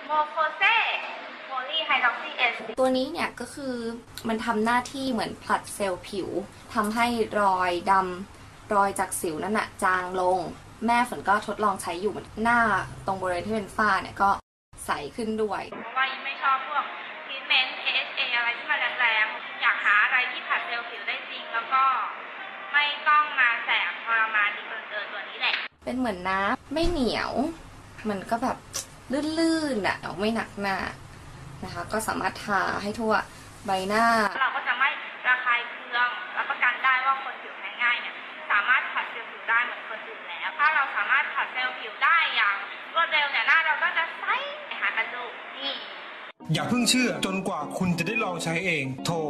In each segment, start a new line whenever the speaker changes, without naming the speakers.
โมโคเซโพลีไฮดรอกซีเอส
ตัวนี้เนี่ยก็คือมันทำหน้าที่เหมือนผลัดเซลล์ผิวทำให้รอยดำรอยจากสิวนั่นน่ะจางลงแม่ฝนก็ทดลองใช้อยู่หน้าตรงบริเวณที่เป็นฝ้าเนี่ยก็ใสขึ้นด้วย
เพราะว่าไม่ชอบพวกทรีทเมนต์ AHA อะไรที่มันแรงๆอยากหาอะไรที่ผลัดเซลล์ผิวได้จริงแล้วก็ไม่ต้องมาแสบทรมานดีเกินตัวนี้แหละ
เป็นเหมือนน้ำไม่เหนียวมันก็แบบลื่นๆอ่ะไม่หนักหน้านะคะก็สามารถทาให้ทั่วใบหน้า
เราก็จะไม่ระคายเคืองรับประกันได้ว่าคนผิวแพ้ง่ายเนี่ยสามารถผัดเซลล์ผิวได้เหมือนคนอื่นแล้วถ้าเราสามารถผัดเซลล์ผิวได้อย่างรวดเร็วเนี่ยหน้าเราก็จะใสหากันดูนี่
อย่าเพิ่งเชื่อจนกว่าคุณจะได้ลองใช้เองโทร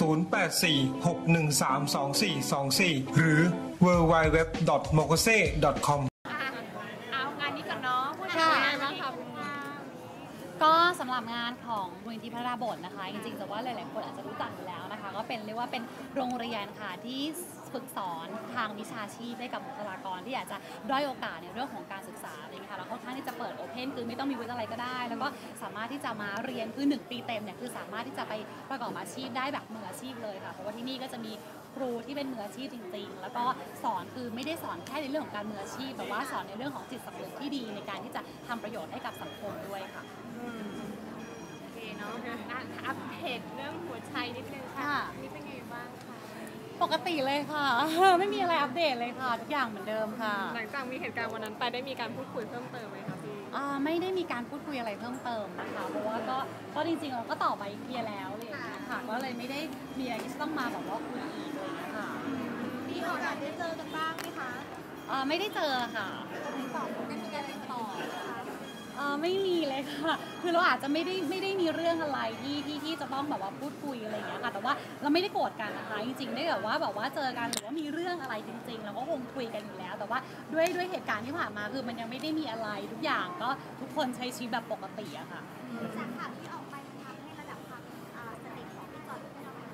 0846132424 หรือ www.mokose.com
เอางานนี้กันเนาะพูดถึงงานบ้างค่ะก็สำหรับงานของมูลนิธิพระราบทนะคะจริงๆแต่ว่าหลายๆคนอาจจะรู้จักอยู่แล้วนะคะก็เป็นเรียกว่าเป็นโรงเรียนค่ะที่ฝึกสอนทางวิชาชีพให้กับบุคลากรที่อาจจะด้อยโอกาสในเรื่องของการศึกษาอะไรอย่างเงี้ยค่ะแล้วค่อนข้างที่จะเปิดโอเพนคือไม่ต้องมีวิทยาลัยก็ได้แล้วก็สามารถที่จะมาเรียนคือ1 ปีเต็มเนี่ยคือสามารถที่จะไปประกอบอาชีพได้แบบมืออาชีพเลยค่ะเพราะว่าที่นี่ก็จะมีครูที่เป็นมืออาชีพจริงๆแล้วก็สอนคือไม่ได้สอนแค่ในเรื่องของการมืออาชีพแต่ว่าสอนในเรื่องของจิตสำนึกที่ดีในการที่จะทำประโยชน์ให้กับสังคมด้วยค่ะ
เนาะงานอัปเดตเรื่องหัวใจนิดนึงค่ะนี่เป็นไงบ้างคะ
ปกติเลยค่ะไม่มีอะไรอัปเดตเลยค่ะทุกอย่างเหมือนเดิมค่ะ
หลังจากมีเหตุการณ์วันนั้นไปได้มีการพูดคุยเพิ่มเติมไหมคะพี่
ไม่ได้มีการพูดคุยอะไรเพิ่มเติมนะคะเพราะว่าก็จริงๆเราก็ตอบไปเคลียร์แล้วเลยค่ะก็เลยไม่ได้มีอะไรที่ต้องมาแบบว่าคุยอีกเลยนะคะ
พี่เขาอยากได้เจอกันบ้างไหมคะ
ไม่ได้เจอค่ะ
ตอบได้มีการติดต่อ
ไม่มีเลยค่ะคือเราอาจจะไม่ได้มีเรื่องอะไรที่จะต้องแบบว่าพูดคุยอะไรอย่างเงี้ยค่ะแต่ว่าเราไม่ได้โกรธกันนะคะจริงๆได้แบบว่าเจอกันหรือว่ามีเรื่องอะไรจริงๆเราก็คงคุยกันอยู่แล้วแต่ว่าด้วยเหตุการณ์ที่ผ่านมาคือมันยังไม่ได้มีอะไรทุกอย่างก็ทุกคนใช้ชีวิตแบบปกติอะค่ะ
จากข่าวที่ออกไปทำให้ระดับความสนิทของพี่จอยเป็นยังไง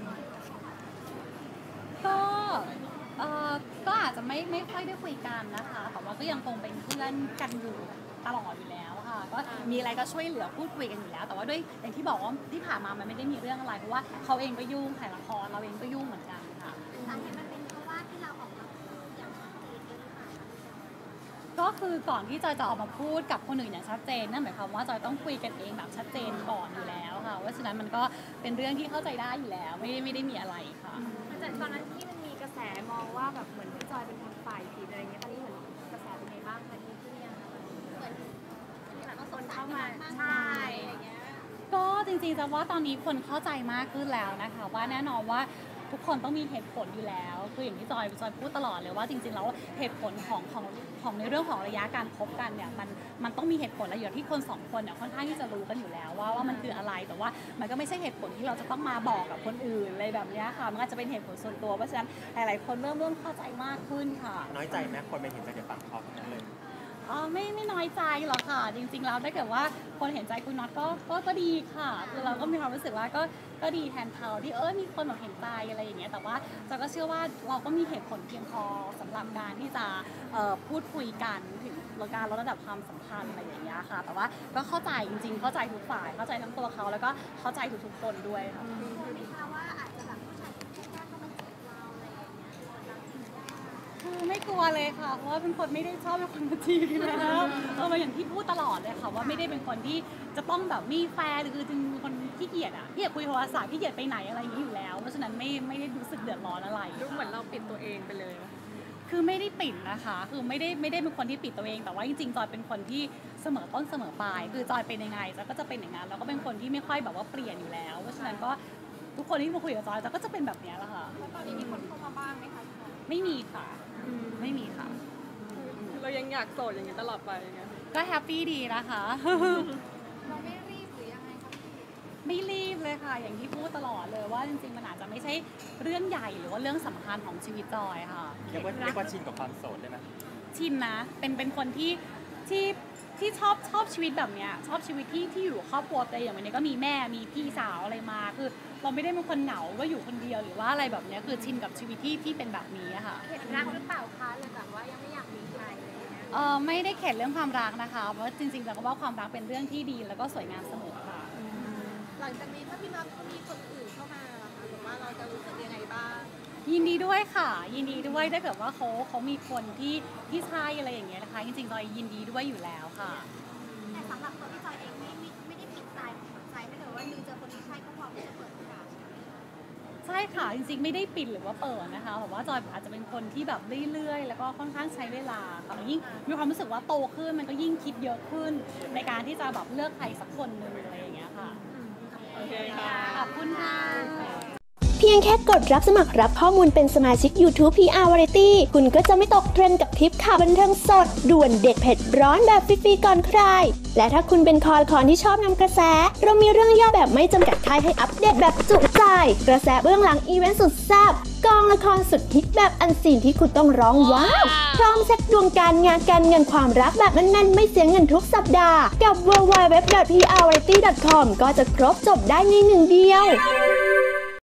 ก็อาจจะไม่ค่อยได้คุยกันนะคะแต่ว่าก็ยังคงเป็นเพื่อนกันอยู่ตลอดอยู่แล้วค่ะก็มีอะไรก็ช่วยเหลือพูดคุยกันอยู่แล้วแต่ว่าด้วยอย่างที่บอกว่าที่ผ่านมามันไม่ได้มีเรื่องอะไรเพราะว่าเขาเองก็ยุ่งถ่ายละครเราเองก็ยุ่งเหมือนกันค่ะ
สาเหตุมันเป็นเพราะว่าที่เราออกมาอย่างชัดเจนหรือเปล่า
ก็คือก่อนที่จอยจะออกมาพูดกับคนอื่นอย่างชัดเจนนั่นหมายความว่าจอยต้องคุยกันเองแบบชัดเจนก่อนอยู่แล้วค่ะว่าฉะนั้นมันก็เป็นเรื่องที่เข้าใจได้อยู่แล้วไม่ได้มีอะไรค่ะ
แต่ตอนนั้นที่มันมีกระแสมองว่าแบบเหมือนพี่จอยเป็นคนฝ่ายผิดอะไรเงี้ยตอนนี้เหมือนกระแสเป็นไงบ้างคะที่เนี่ยเหมือนคนเข้ามาใช่อะไรเงี้ย
ก็จริงๆจะว่าตอนนี้คนเข้าใจมากขึ้นแล้วนะคะว่าแน่นอนว่าทุกคนต้องมีเหตุผลอยู่แล้วคืออย่างที่จอยพูดตลอดเลยว่าจริงๆแล้วเหตุผลของในเรื่องของระยะการคบกันเนี่ยมันต้องมีเหตุผลและอย่างที่คน2 คนเนี่ยค่อนข้างที่จะรู้กันอยู่แล้วว่ามันคืออะไรแต่ว่ามันก็ไม่ใช่เหตุผลที่เราจะต้องมาบอกกับคนอื่นอะไรแบบนี้ค่ะมันอาจจะเป็นเหตุผลส่วนตัวเพราะฉะนั้นหลายๆคนเริ่มเข้าใจมากขึ้นค่ะ
น้อยใจไหมคนไปเห็นใจกับฝั่งเขาทั้งนั้นเลย
ไม่น้อยใจหรอกค่ะจริงๆแล้วถ้าเกิดว่าคนเห็นใจคุณน็อตก็ดีค่ะคือเราก็มีความรู้สึกว่าก็ดีแทนเขาที่มีคนเห็นใจอะไรอย่างเงี้ยแต่ว่าเราก็เชื่อว่าเราก็มีเหตุผลเพียงพอสำหรับการที่จะพูดคุยกันถึงการลดระดับความสัมพันธ์อะไรอย่างเงี้ยค่ะแต่ว่าก็เข้าใจจริงๆเข้าใจทุกฝ่ายเข้าใจทั้งตัวเขาแล้วก็เข้าใจทุกๆคนด้วยค่ะ
ว่าอาจจะแบบผู้ชายที่แรกก็มาจีบเราอะไรอย่างเงี้ย
คือไม่กลัวเลยค่ะเพราะว่าเป็นคนไม่ได้ชอบเป็นคนมาจีบแล้วอย่างที่พูดตลอดเลยค่ะว่าไม่ได้เป็นคนที่จะต้องแบบมีแฟนหรือเป็นคนขี้เกียจขี้เกียจคุยโทรศัพท์ขี้เกียจไปไหนอะไรอย่างนี้อยู่แล้วเพราะฉะนั้นไม่ได้รู้สึกเดือดร้อนอะไร
ดูเหมือนเราปิดตัวเองไปเลย
คือไม่ได้ปิดนะคะคือไม่ได้เป็นคนที่ปิดตัวเองแต่ว่าจริงๆจอยเป็นคนที่เสมอต้นเสมอปลายคือจอยเป็นยังไงจอยก็จะเป็นอย่างนั้นแล้วก็เป็นคนที่ไม่ค่อยแบบว่าเปลี่ยนอยู่แล้วเพราะฉะนั้นก็ทุกคนที่มาคุยกับจอยก็จะเป็นแบบนี้แหละค่ะ
ตอนนี้มีคนเข้ามาบ้างไหมคะ
ไม่มีค่ะไม่มีค่ะ
เรายังอยากโสดอย่างนี้ตลอดไปไง
ก็แฮปปี้ดีนะคะ
เราไม่รีบหรือยังไงคะ
ไม่รีบเลยค่ะอย่างที่พูดตลอดเลยว่าจริงๆมันอาจจะไม่ใช่เรื่องใหญ่หรือว่าเรื่องสำคัญของชีวิตจอยค่ะ
เรียกว่าชินกับความโสดได้ไหม
ชินนะเป็นคนที่ชอบชีวิตแบบเนี้ยชอบชีวิตที่อยู่ครอบครัวแต่อย่างวันนี้ก็มีแม่มีพี่สาวอะไรมาคือเราไม่ได้เป็นคนเหงาว่าอยู่คนเดียวหรือว่าอะไรแบบเนี้ยคือชินกับชีวิตที่เป็นแบบนี้ค่ะ
เห็นรักหรือเปล่าคะเลยแบบว่ายังไม่อยากมีใครเลยนะ
ไม่ได้เข็ดเรื่องความรักนะคะเพราะจริงๆแล้วก็ว่าความรักเป็นเรื่องที่ดีแล้วก็สวยงามเสมอค่ะ
หลังจากนี้ถ้าพี่น็อตมีคนอื่นเข้ามาล่ะคะหรือว่าเราจะรู้สึกยังไงบ้าง
ยินดีด้วยค่ะยินดีด้วยถ้าเกิดว่าเขามีคนที่ใช่อะไรอย่างเงี้ยนะคะจริงๆจอยยินดีด้วยอยู่แล้วค่ะ
แต่สำหรับตัวพี่จอยเองไม่ได้ปิดใจถ้าเกิดว่านึงเจอคนที่ใช่ก็พร้อมที่จะเปิดโอกาส
ใช่ค่ะจริงๆไม่ได้ปิดหรือว่าเปิดนะคะแต่ว่าจอยอาจจะเป็นคนที่แบบเรื่อยๆแล้วก็ค่อนข้างใช้เวลาค่ะยิ่งมีความรู้สึกว่าโตขึ้นมันก็ยิ่งคิดเยอะขึ้นในการที่จะแบบเลือกใครสักคนหนึ่งอะไรอย่างเงี้ยค่ะโอเคค่ะขอบคุณค่ะ
เพียงแค่กดรับสมัครรับข้อมูลเป็นสมาชิก YouTube PR Variety คุณก็จะไม่ตกเทรนด์กับทริปข่าวบันเทิงสด ด่วนเด็ดเผ็ดร้อนแบบฟรีๆก่อนใคร และถ้าคุณเป็นคอละครที่ชอบนำกระแส เรามีเรื่องย่อแบบไม่จำกัดค่ายให้อัปเดตแบบจุใจ กระแสเบื้องหลังอีเวนต์สุดแซ่บกองละครสุดฮิตแบบอันซีนที่คุณต้องร้องว้าวพร้อมเซ็ตดวงการงานการเงินความรักแบบแน่นๆไม่เสียเงินทุกสัปดาห์กับ www.prvariety.com ก็จะครบจบได้ในหนึ่งเดียว